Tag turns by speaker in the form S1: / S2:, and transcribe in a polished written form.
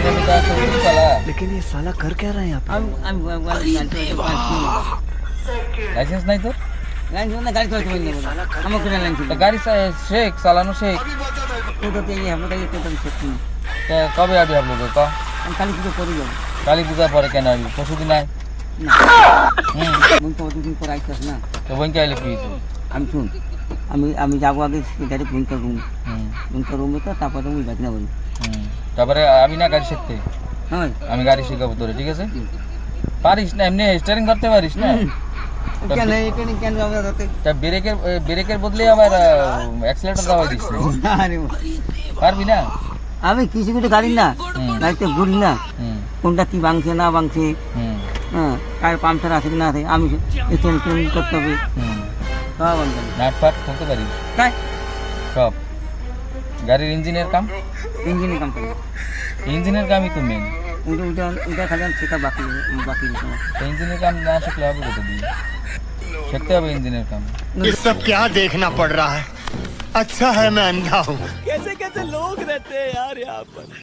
S1: मेरे में तो तो साला
S2: लेकिन ये साला कर क्या रहा है यहाँ पे?
S3: আমি
S1: लाइसेंस नहीं तो
S3: গাড়ি না গাড়ি চালাতে পারি না আমার করে লাইন ছিল
S1: तो गाड़ी से शेख सालानो शेख
S3: তো তো এই আমরা এই তো সত্যি না
S1: तो कब आबी आप लोग का
S3: আমি কালি পুজো করি যাব
S1: काली पूजा पर क्या आबी परसों दिन आए
S3: না মন তো দুদিন পর আইতাছ না
S1: तो वहीं क्या लिखी है
S3: আমি শুন আমি যাবো আগে ডাইরেক্ট ঘুমটা রুমে তো তারপরে ওই বাজনা বলি
S1: তারপরে আমি না গাড়ি শিখতে
S3: হ্যাঁ
S1: আমি গাড়ি শিখাবো তোরে ঠিক আছে পারিস না এমনি স্টিয়ারিং করতে পারিস না
S3: কেন এটা কেন আমরা রাতে
S1: তা ব্রেকের বদলে আবার অ্যাক্সিলারেটর দাও দিস
S3: আরে
S1: পারবি না
S3: আমি কিছু কিছু গাড়ি না গাড়িতে ঘুরি না কোনটা কি ভাঙছে না ভাঙছে হ্যাঁ টায়ার পাংচার আছে কি না আছে আমি ট্রেন করতে হবে সব বন্ধ
S1: নাট ফাট খুলতে পারিস
S3: তাই
S1: সব গাড়ির ইঞ্জিনের কাম
S3: ইঞ্জিনের কাম করি
S1: ইঞ্জিনের কামই তো মেন
S3: ওইটা খালি সেটা বাকি
S1: তো ইঞ্জিনের কাম না শিখলে হবে কোথা দিয়ে শিখতে হবে ইঞ্জিনের কাম
S4: ये सब क्या देखना पड़ रहा है अच्छा है मैं अंधा हूँ
S2: कैसे कैसे लोग रहते हैं यार यहाँ पर।